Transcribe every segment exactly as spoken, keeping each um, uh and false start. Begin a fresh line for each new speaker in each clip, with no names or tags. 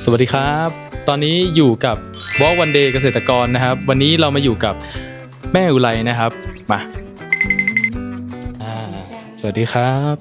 สวัสดีครับตอนนี้อยู่กับ Walk One Day เกษตรกรนะครับวันนี้เรามาอยู่กับแม่อุไรนะครับมาสวัสดีครับ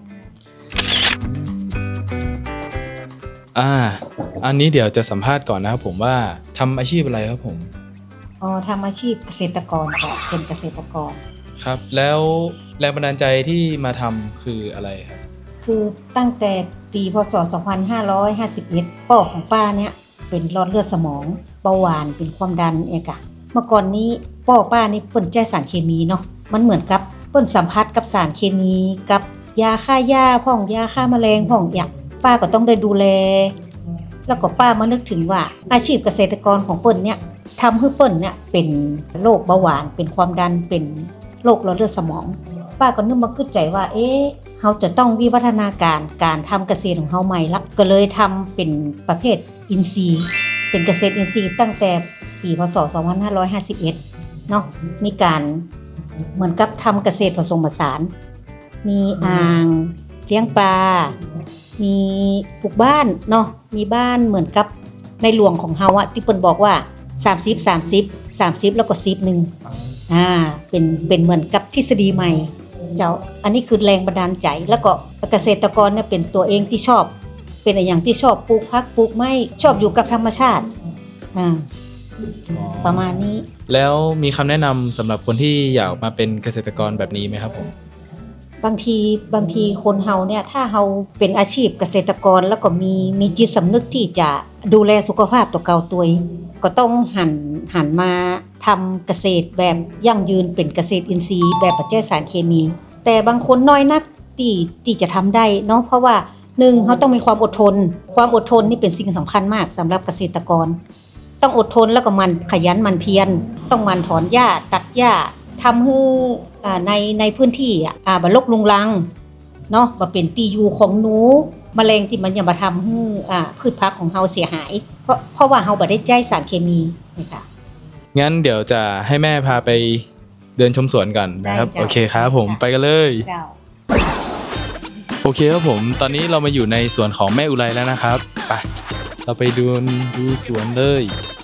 อ่าอันนี้เดี๋ยวจะสัมภาษณ์ก่อนนะครับผมว่าทำอาชีพอะไรครับผม
อ๋อทำอาชีพเกษตรกรค่ะเป็นเกษตรกร
ครับแล้วแรงบันดาลใจที่มาทำคืออะไรครับ
คือตั้งแต่ปีพ.ศ. สองพันห้าร้อยห้าสิบเอ็ดพ่อของป้าเนี่ยเป็นหลอดเลือดสมองเบาหวานเป็นความดันเองค่ะเมื่อก่อนนี้พ่อป้านี่เปิ้นใช้สารเคมีเนาะมันเหมือนกับเปิ้นสัมผัสกับสารเคมีกับยาฆ่าหญ้าพ่องยาฆ่าแมลงพ่องอย่างป้าก็ต้องได้ดูแลแล้วก็ป้ามานึกถึงว่าอาชีพเกษตรกรของเปิ้นเนี่ยทำให้เปิ้นเนี่ยเป็นโรคเบาหวานเป็นความดันเป็นโรคหลอดเลือดสมองป้าก็นึกมาขึ้นใจว่าเอ๊ะเราจะต้องวิวัฒนาการการทำเกษตรของเราใหม่ละก็เลยทำเป็นประเภทอินทรีย์เป็นเกษตรอินทรีย์ตั้งแต่ปีพ.ศ. สองพันห้าร้อยห้าสิบเอ็ดเนาะมีการเหมือนกับทำเกษตรผสมผสานมีอ่างเลี้ยงปลามีปลูกบ้านเนาะมีบ้านเหมือนกับในหลวงของเฮาอะที่เปิ้นบอกว่าสามสิบ สามสิบ สามสิบแล้วก็สิบนึงอ่าเป็นเป็นเหมือนกับทฤษฎีใหม่เจ้าอันนี้คือแรงบันดาลใจแล้วก็เกษตรกรเนี่ยเป็นตัวเองที่ชอบเป็นอย่างที่ชอบปลูกผักปลูกไม้ชอบอยู่กับธรรมชาติอ่าประมาณนี้
แล้วมีคำแนะนำสำหรับคนที่อยากมาเป็นเกษตรกรแบบนี้ไหมครับผม
บางทีบางทีคนเฮาเนี่ยถ้าเฮาเป็นอาชีพเกษตรกรแล้วก็มีมีจิตสำนึกที่จะดูแลสุขภาพตัวเก่าตัวเองก็ต้องหันหันมาทำเกษตรแบบยั่งยืนเป็นเกษตรอินทรีย์แบบปัจจัยสารเคมีแต่บางคนน้อยนักที่ที่จะทำได้เนาะเพราะว่าหนึ่งเขาต้องมีความอดทนความอดทนนี่เป็นสิ่งสำคัญมากสำหรับเกษตรกรต้องอดทนแล้วก็มันขยันมันเพียรต้องมันถอนหญ้าตัดหญ้าทำให้ในในพื้นที่อ่าบ่รกรุงรังเนาะบ่เป็นที่อยู่ของหนูแมลงที่มันยังมาทำให้อ่าพืชผักของเฮาเสียหายเพราะเพราะว่าเฮาบ่ได้ใช้สารเคมีนะคะ
งั้นเดี๋ยวจะให้แม่พาไปเดินชมสวนกันนะครับโอเคครับผมไปกันเลย
เจ้า
โอเคครับผมตอนนี้เรามาอยู่ในสวนของแม่อุไรแล้วนะครับไปเราไปดูดูสวนเลย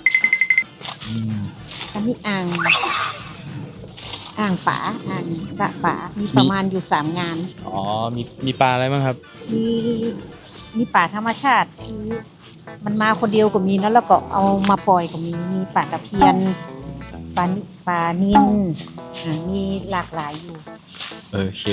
อันนี้อ่างอ่างป่าอ่างสระป่ามีประมาณอยู่สามงาน
อ๋อมีมีปลาอะไรบ้างครับ
มีมีป่าธรรมชาติคือมันมาคนเดียวก็มีนะแล้วก็เอามาปล่อยก็มีมีป่าตะเพียนปลาปลานิลมีหลากหลายอยู่
โอเค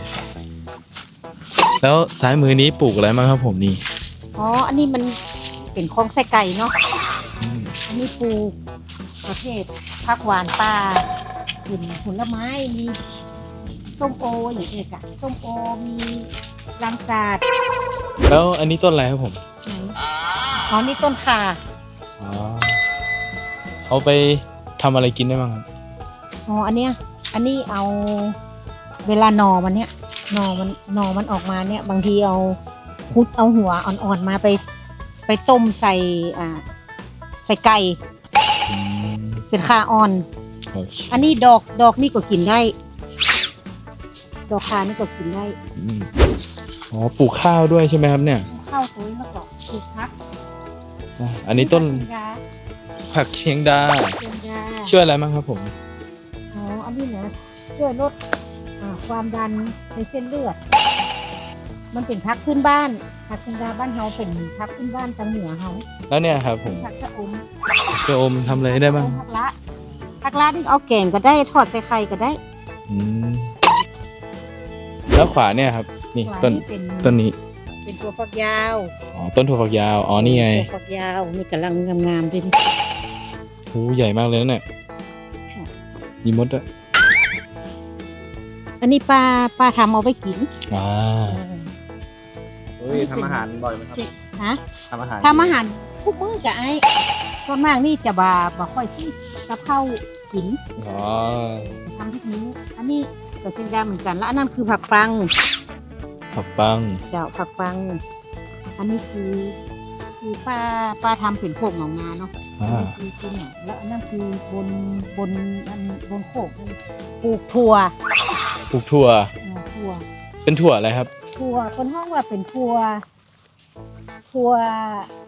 แล้วซ้ายมือนี้ปลูกอะไรบ้างครับผมนี่
อ๋ออันนี้มันเป็นคลองไส้ไก่เนาะอันนี้ปลูกประเภทผักหวานป่าเป็นผลไม้มีส้มโออย่างเงี้ยค่ะส้มโอมีลังสาด
แล้วอันนี้ต้นอะไรครับผม
อ๋อนี่ต้นข่า
อ๋อเอาไปทำอะไรกินได้บ้างครับ
อ๋ออันเนี้ยอันนี้เอาเวลาหน่อมันเนี้ยหน่อมันหน่อมันออกมาเนี่ยบางทีเอาคุดเอาหัวอ่อนๆมาไปไปต้มใส่อ่าใส่ไก่เป็นข่าอ่อนอันนี้ดอกดอกนี่ก็กินได้ดอกข่านี่ก็กินได้
อ๋อปลูกข้าวด้วยใช่ไหมครับเนี่ย
ข้าวสวยแล้วก็ปลูกผัก
อันนี้ต้นผักเชียงดาช่วยอะไรบ้างครับผม
อ๋ออันนี้นะช่วยลดความดันในเส้นเลือดมันเป็นผักพื้นบ้านผักเชียงดาบ้านเฮาเป็นผักพื้นบ้านทางเหนือเฮา
แล้วเนี่ยครับผม
ผักชะอม
ชะอมทำอะไรได้บ้าง
ผักละผักละนี่เอาแกงก็ได้ทอดใส่ไข่ก็ได้
แล้วขวาเนี่ยครับนี่ต้นต้นนี้
เป็นถั่วฝักยาว
อ๋อต้นถั่วฝักยาวอ๋อนี่ไง
ถั่วฝักยาวนี่กำลังงามๆด้วย
โอ้ใหญ่มากเลยเนี่ยมีมดด้วย
อันนี้ป้าป้าทำเอาไว้กิน
อ่าเฮ้ยทำอาหารบ่อยไหมครับ
ฮะ
ทำอาหาร
ทำอาหารทุกมื้อกับไอ้ส่วนมากนี่จะบ่บ่ค่อยซื้อกับข้าวกิน
อ๋อ
ทำทุกมื้ออันนี้ก็เส้นดำเหมือนกันแล้วอันนั้นคือผักปัง
ผักปัง
เจ้าผักปังอันนี้คือคือป้าป้าทำเป็นโคกหนองนาเนาะคือคือเนี่ยแล้วอันนั้นคือบนบนอันบนโคกปลูกถั่ว
ปลูกถั่ว
ถั่ว
เป็นถั่วอะไรครับ
ถั่วคนห้องว่าเป็นถั่วถั่ว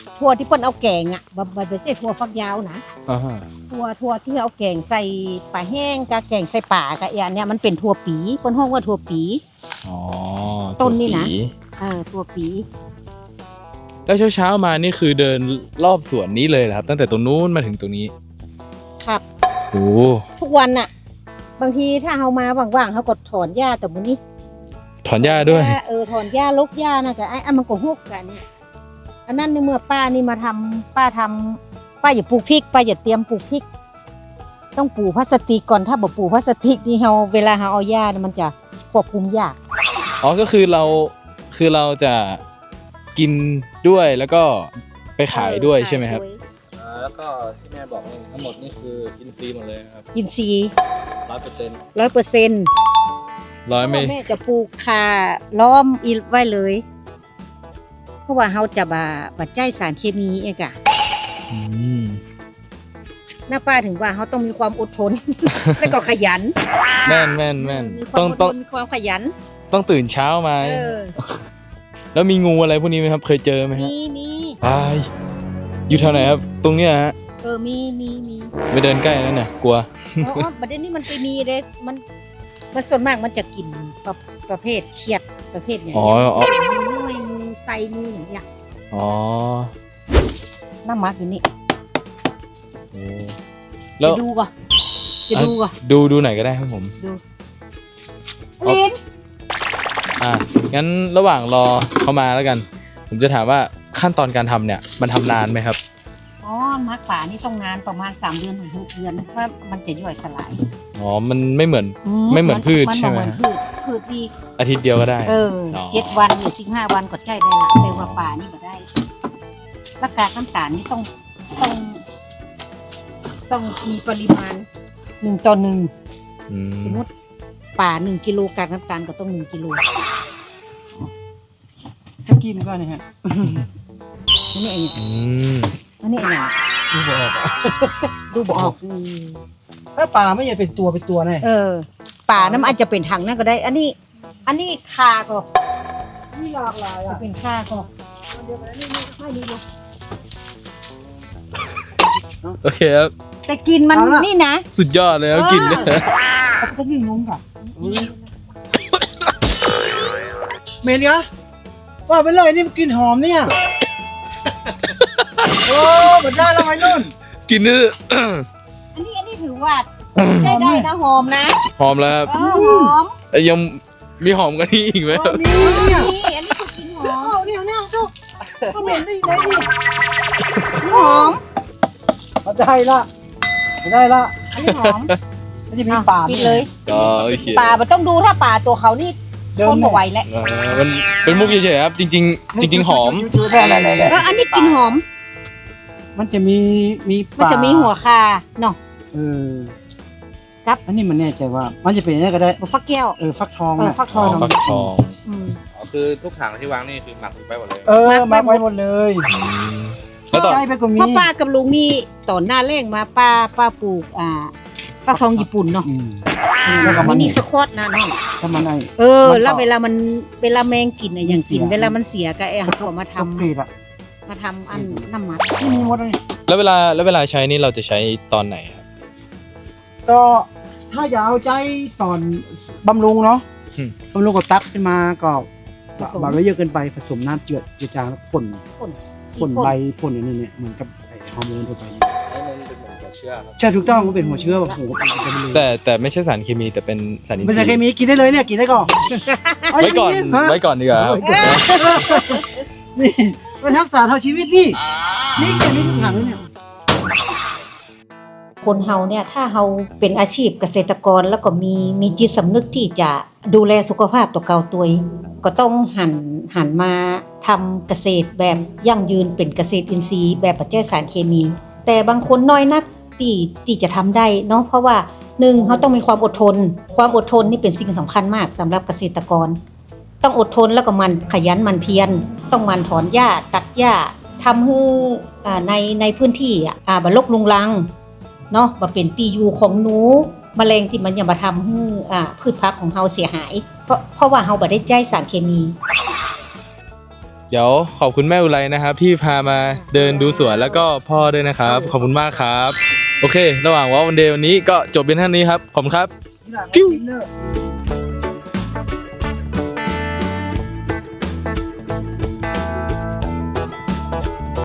ถั่วที่เปิ้นเอาแกงอ่ะบ่บ่ได้ใช่ถั่วฟักยาวนะ
อ่าฮะ
ถั่วถั่วที่เอาแกงใส่ปลาแห้งกับแกงใส่ป่ากับอีอันเนี้ยมันเป็นถั่วปีเปิ้นฮ้องว่าถั่วปี
อ๋อ
ต้นนี่นะ
ถั่วปี
เออถั่วปี
แล้วเช้าๆมานี่คือเดินรอบสวนนี้เลยเหรอครับ ตั้งแต่ตรงนู้นมาถึงตรงนี้
ครับ
โอ้
ทุกวันน่ะ บางทีถ้าเฮามาว่างๆเฮาก็ถอนหญ้าแต่มื้อนี้
ถอนหญ้าด้วย
เออถอนหญ้าลกหญ้าน่ะก็ไอ้อันมันก็ฮกกันเนี่ยอันนั้นในเมื่อป้านี่มาทำป้าทำป้าอย่าปลูกพริกป้าอย่าเตรียมปลูกพริก ต้องปลูกพลาสติกก่อนถ้าบ่ปลูกพลาสติกนี่เฮาเวลาเฮาเอาหญ้าเนี่ยมันจะควบคุมยาก
อ๋อ ก็คือเรา คือเราจะกินด้วยแล้วก็ไปขายด้วยใช่ไหมครับ
อ่าแล้วก็ที่แม่บอกนี่ทั้งหมดนี่คืออินทรีย์หมดเลยนะครับ
อินทรีย์
ร้อยเปอร์เซ็นต์
ร้อยเปอร์เซ็นต์
ร้อยไม่
แม่จะปลูกคาล้อมอีไว้เลย เพราะว่าเฮาจะบ่าบ่ใจสารเคมีเองอะ
อืม
หน้าป้าถึงว่าเขาต้องมีความอดทน แล้วก็ขยัน
แม่นแม่นแม่น
มีควา
ต้อ
ม
ง
อด
ต้
ท
อง
นมีความขยัน
ต้องตื่นเช้ามา
เออ
แล้วมีงูอะไรพวกนี้ไหมครับ เคยเจอไหมครับ
มีมี
อายอยู่แถวไหนครับ ตรงเนี้ยฮะ
เออมีมีมี
ไปเดินใกล้นั่นน่ะกลัว
อ๋อประเด็นนี้มันไปมีเด้มันมันส่วนมากมันจะกินประประเภทเครียดประเภทเนี่ย
อ๋ออ๋อ
งูน้อยงูไซงูอย่างเงี้ย
อ๋อ
น้ำมักอยู่นี่
โอ้แล้ว
จะดูก่อนจะดูก่อน
ดูดูไหนก็ได้ครับผม
ดู
เอา
ลิน
อ่ะงั้นระหว่างรอเขามาแล้วกัน ผมจะถามว่าขั้นตอนการทำเนี่ยมันทำนานไหมครับ
อ๋อมักป่านี่ต้องนานประมาณสามเดือนถึงหกเดือนเพราะมันจะย่อยสลาย
อ๋อ มันไม่เหมือน ไม่เหมือนพืชใช่ไหม
นเหมือนพืชพืชดี
อาทิตย์เดียวก็ได้
เออ
อ๋อ
เจ็ดวันหรือสิบห้าวันก็ใจได้ละแต่ว่าป่านี่บ่ได้และกากน้ำตาลนี่ต้องต้อง ต้องมีปริมาณหนึ่งต่อหนึ่ง
อืม
สมมติป่าหนึ่งกิโลกากน้ำตาลก็ต้องหนึ่งกิโล
ถ้ากินก็เนี่ยฮะ
อันนี้เอง
อืม
อันนี้เอง
ดูบออก
ดูบ่ออก
ถ้าปลาไม่ใช่เป็นตัวเป็นตัวแน่
เออ ป่าน้ำอาจจะเป็นถังนั่นก็ได้ อันนี้ อันนี้คาก็
นี่หลากหลาย
จะ
อ่ะ
เป็นคาก็
เดี๋ยวนี้นี่ให้ดูดู
โอเคครับ
แต่กินมัน
เอาล่ะ
นี่นะ
สุดยอดเลยครับกลินเนี่ย
เขาจะยิ่งงงกับเหม็นกะว่าไปเลยนี่มันกลิ่นหอมเนี่ย โอ้เหมือนได้แล้วไอ้นุ่น
กลินนี่
อันนี้อันนี้ถือว่าใช้ได้นะหอมนะ
หอมแล้วครับ
เออหอม
เอ้ยยังมีหอมกว่านี้อีกไหมครับ
นี่เนี่ย
นี่อันนี้คือกินหอ
เอา
ม
เนี่ยเนี่ยเจ้าก็เหม็นได้ยังไงนี่
หอม
เอาได้ละเอาได้ละ
อันนี้หอม
มันจะมีป่า
ปิดเลย
อ๋อโอเค
ป่ามันต้องดูถ้าป่าตัวเขานี่
เดิ
ทนบ่ไหวแล้ว
เออมันเป็นมุกเฉยๆครับ จริง ๆ จริง ๆ หอม
แน่แน่แน่
เอออันนี้กินหอม
มันจะมีมี
มันจะมีหัวคาเนาะ
เออ
ครับ
อันนี้มันแน่ใจว่า มันจะเป็นอะไรก็ได้
หัวฟักแก้ว
เออฟักทอง
เออ
น่ะ
ฟักท
อ๋
อ
อง ฟักทอง
อืม
อ๋อคือทุกถังที่วางนี่คือหมักไปหมดเลย
เออ
มา
มา
ร์คไว้
ไว้หมดเลย
อืมแล้วต่อ
ใจไปก็มี
เพราะป้ากับลุงนี่ตอนหน้าแรงมาป้าป้าปลูกอ่าฟักทองญี่ปุ่นเนาะ
อืม
อืม
แล้วก็มัน
มินิสควอตนะเนาะ
ถ้ามันไอ้
เออ
มันก็
แล้วเวลามันเวลาแมงกินอะอย่างกิน
มันเสีย
เวลามันเสียก็ไอ้เขาก็มาทำ
ตกกรีดอ่ะ
มาทำอันน้ำมัน
ที่มีหมดเลย
แล้วเวลาแล้วเวลาใช้นี่เราจะใช้ตอนไหนครับ
ก็ถ้าอยากเอาใจตอนบำรุงเนาะ
อืม
บำรุงก็ตักขึ้นมาก็บาดไว้เยอะเกินไปผสมน้ำเจือดเจือจางแล้วพ่น
พ่น
พ่นใบพ่นอย่างนี้เนี่ยเหมือนกับไอ้ฮอร์โมนทั่วไป
ให้มันเป็นเหมือนหัวเชื้อครับ
ใช่ถูกต้องมันเป็นหัวเชื้อแบบหัวเป็นเป็นเลย
แต่แต่ไม่ใช่สารเคมีแต่เป็นสารอินท
เป็น
รี
สารเค
ย์
มีกินได้เลยเนี่ยกินได้ก่อน
ไว้ก่อน
ฮะ
ไว้ก่อนดีกว่าครับ
นี่เป็นทักษะเท่าชีวิตนี่นี่แค่นี้ทุกอย่างเลยเนี่ย
คนเฮาเนี่ยถ้าเฮาเป็นอาชีพเกษตรกรแล้วก็มีมีจิตสำนึกที่จะดูแลสุขภาพตัวเก่าตัวเองก็ต้องหันหันมาทำเกษตรแบบยั่งยืนเป็นเกษตรอินทรีย์แบบปัจจัยสารเคมี แต่บางคนน้อยนักที่ที่จะทำได้เนาะเพราะว่าหนึ่งเขาต้องมีความอดทน ความอดทนนี่เป็นสิ่งสำคัญมากสำหรับเกษตรกร ต้องอดทนแล้วก็มันขยันหมันเพียรต้องหมันถอนหญ้าตัดหญ้าทำให้อ่าในในพื้นที่อ่ะอ่าบ่รกลุงรังเนาะบ่เป็นตีอยู่ของหนูแมลงที่มันจะมาทำให้อ่าพืชพักของเฮาเสียหายเพราะเพราะว่าเฮาบ่ได้ใจสารเคมี
เดี๋ยวขอบคุณแม่อุไรนะครับ ที่พามาเดินดูสวนแล้วก็พ่อด้วยนะครับ ขอบคุณมากครับ โอเค ระหว่างวอล์กวันเดย์วันนี้ก็จบเป็นเท่านี้ครับ ขอบคุณครับ
ที่หลัง
ปิ้ว
ชิมเนอร์